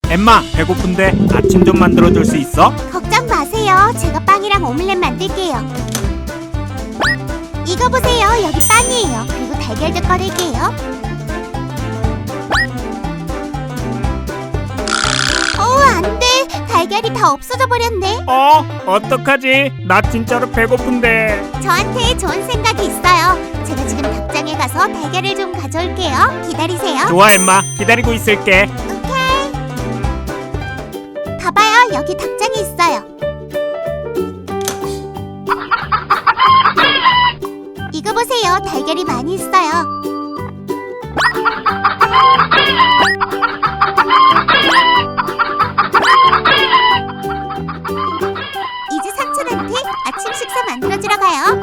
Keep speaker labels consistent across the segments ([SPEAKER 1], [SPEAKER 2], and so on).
[SPEAKER 1] 엠마, 배고픈데 아침 좀 만들어줄 수 있어?
[SPEAKER 2] 걱정 마세요. 제가 빵이랑 오믈렛 만들게요. 이거 보세요. 여기 빵이에요. 그리고 달걀도 꺼낼게요. 안 돼. 달걀이 다 없어져 버렸네.
[SPEAKER 1] 어떡하지? 나 진짜로 배고픈데.
[SPEAKER 2] 저한테 좋은 생각이 있어요. 제가 지금 닭장에 가서 달걀을 좀 가져올게요. 기다리세요.
[SPEAKER 1] 좋아, 엠마. 기다리고 있을게.
[SPEAKER 2] 오케이. 봐봐요. 여기 닭장이 있어요. 이거 보세요. 달걀이 많이 있어요. 이제 삼촌한테 아침 식사 만들어주러 가요.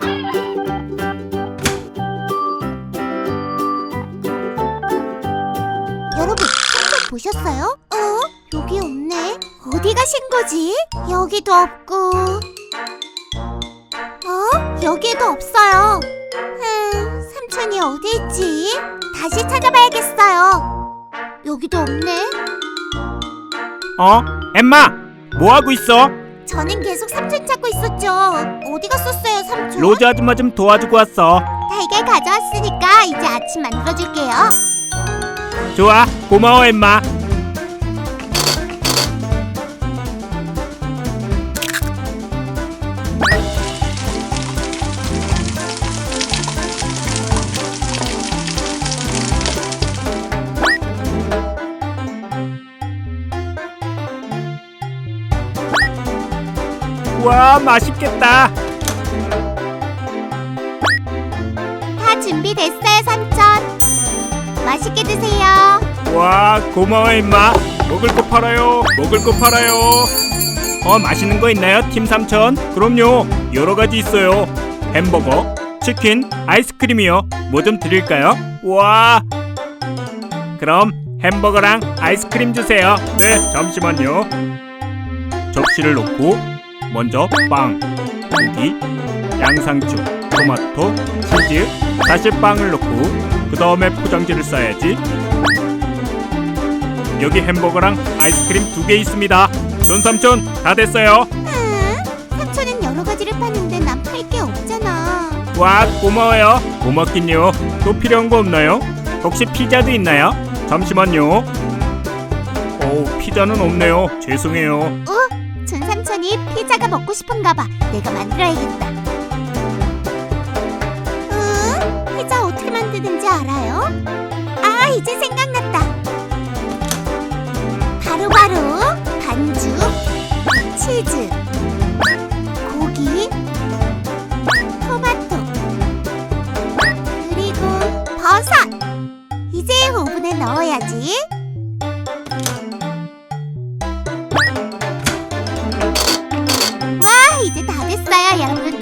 [SPEAKER 2] 여러분, 삼촌 보셨어요? 여기 없네. 어디 가신 거지? 여기도 없고, 여기에도 없어요. 삼촌이 어디 있지? 다시 찾아봐야겠어요. 여기도 없네.
[SPEAKER 1] 엠마, 뭐 하고 있어?
[SPEAKER 2] 저는 계속 삼촌 찾고 있었죠. 어디 갔었어요, 삼촌?
[SPEAKER 1] 로즈 아줌마 좀 도와주고 왔어.
[SPEAKER 2] 달걀 가져왔으니까 이제 아침 만들어줄게요.
[SPEAKER 1] 좋아, 고마워, 엠마. 와, 맛있겠다.
[SPEAKER 2] 다 준비됐어요, 삼촌. 맛있게 드세요.
[SPEAKER 1] 와, 고마워, 엠마. 먹을 거 팔아요. 먹을 거 팔아요. 맛있는 거 있나요, 팀 삼촌? 그럼요, 여러 가지 있어요. 햄버거, 치킨, 아이스크림이요. 뭐 좀 드릴까요? 와, 그럼 햄버거랑 아이스크림 주세요. 네, 잠시만요. 접시를 놓고 먼저 빵, 고기, 양상추, 토마토, 치즈, 다시 빵을 넣고 그 다음에 포장지를 싸야지. 여기 햄버거랑 아이스크림 2개 있습니다. 존삼촌, 다 됐어요.
[SPEAKER 2] 삼촌은 여러 가지를 파는데 난 팔 게 없잖아.
[SPEAKER 1] 와, 고마워요. 고맙긴요. 또 필요한 거 없나요? 혹시 피자도 있나요? 잠시만요. 피자는 없네요. 죄송해요.
[SPEAKER 2] 전 삼촌이 피자가 먹고 싶은가 봐. 내가 만들어야겠다. 피자 어떻게 만드는지 알아요? 이제 생각났다. 바로바로 반죽, 치즈, 고기, 토마토, 그리고 버섯. 이제 오븐에 넣어야지. 이제 다 됐어요, 여러분.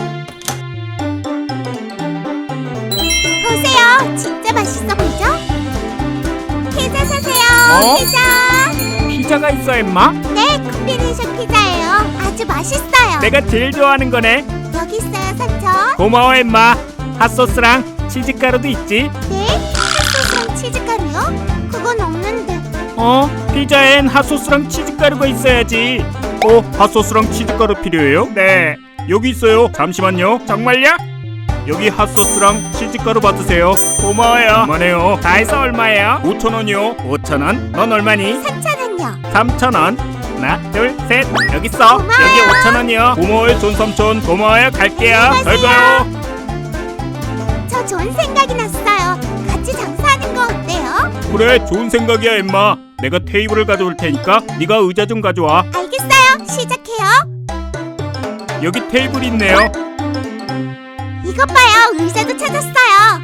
[SPEAKER 2] 보세요, 진짜 맛있어 보이죠? 피자 사세요.
[SPEAKER 1] 피자가 있어, 엠마?
[SPEAKER 2] 네, 콤비네이션 피자예요. 아주 맛있어요.
[SPEAKER 1] 내가 제일 좋아하는 거네.
[SPEAKER 2] 여기 있어요, 삼촌.
[SPEAKER 1] 고마워, 엠마. 핫소스랑 치즈가루도 있지?
[SPEAKER 2] 네? 핫소스랑 치즈가루요? 그건 없는데.
[SPEAKER 1] 피자엔 핫소스랑 치즈가루가 있어야지. 핫소스랑 치즈가루 필요해요? 네, 여기 있어요. 잠시만요. 정말요? 여기 핫소스랑 치즈가루 받으세요. 고마워요. 그만해요. 다 해서 얼마예요? 5,000원이요. 5,000원? 넌 얼마니?
[SPEAKER 2] 3,000원요.
[SPEAKER 1] 3,000원. 하나, 둘, 셋. 여기 있어.
[SPEAKER 2] 고마워요.
[SPEAKER 1] 여기 5,000원이요. 고마워요, 존삼촌. 고마워요. 갈게요. 잘 가요.
[SPEAKER 2] 저 좋은 생각이 났어요. 같이 장사하는 거 어때요?
[SPEAKER 1] 그래, 좋은 생각이야, 엠마. 내가 테이블을 가져올 테니까 네가 의자 좀 가져와.
[SPEAKER 2] 알겠어요. 시작해요.
[SPEAKER 1] 여기 테이블이 있네요.
[SPEAKER 2] 이것 봐요. 의자도 찾았어요.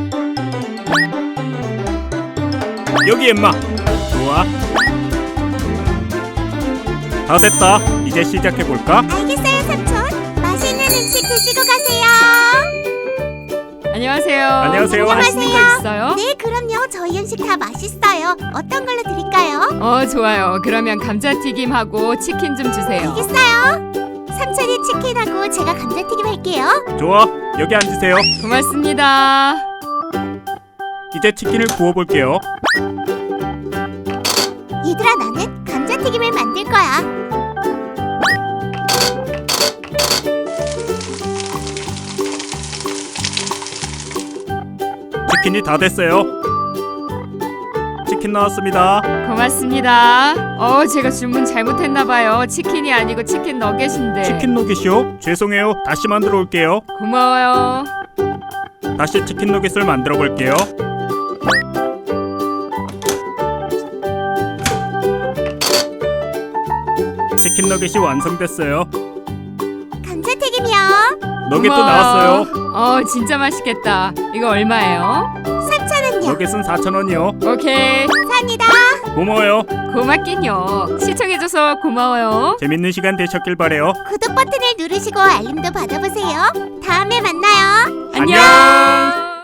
[SPEAKER 1] 여기, 엠마. 좋아. 다 됐다. 이제 시작해볼까?
[SPEAKER 2] 알겠어요, 삼촌. 맛있는 음식 드시고 가세요.
[SPEAKER 3] 안녕하세요.
[SPEAKER 1] 안녕하세요.
[SPEAKER 3] 맛있는 거 있어요?
[SPEAKER 2] 네, 그럼요. 저희 음식 다 맛있어요. 어떤 걸로 드릴까요?
[SPEAKER 3] 좋아요. 그러면 감자튀김하고 치킨 좀 주세요.
[SPEAKER 2] 알겠어요. 삼촌이 치킨하고 제가 감자튀김 할게요.
[SPEAKER 1] 좋아. 여기 앉으세요.
[SPEAKER 3] 고맙습니다.
[SPEAKER 1] 이제 치킨을 구워볼게요.
[SPEAKER 2] 얘들아, 나는 감자튀김을 만들 거야.
[SPEAKER 1] 치킨이 다 됐어요. 치킨 나왔습니다.
[SPEAKER 3] 고맙습니다. 제가 주문 잘못했나봐요. 치킨이 아니고 치킨 너겟인데.
[SPEAKER 1] 치킨 너겟이요? 죄송해요. 다시 만들어 올게요.
[SPEAKER 3] 고마워요.
[SPEAKER 1] 다시 치킨 너겟을 만들어 볼게요. 치킨 너겟이 완성됐어요.
[SPEAKER 2] 감자튀김이요.
[SPEAKER 1] 너겟도
[SPEAKER 3] 고마워요.
[SPEAKER 1] 나왔어요.
[SPEAKER 3] 진짜 맛있겠다. 이거 얼마예요?
[SPEAKER 2] 3,000원요.
[SPEAKER 1] 너겟은 4,000원이요.
[SPEAKER 3] 오케이.
[SPEAKER 2] 감사합니다.
[SPEAKER 1] 고마워요.
[SPEAKER 3] 고맙긴요. 시청해줘서 고마워요.
[SPEAKER 1] 재밌는 시간 되셨길 바래요.
[SPEAKER 2] 구독 버튼을 누르시고 알림도 받아보세요. 다음에 만나요.
[SPEAKER 3] 안녕.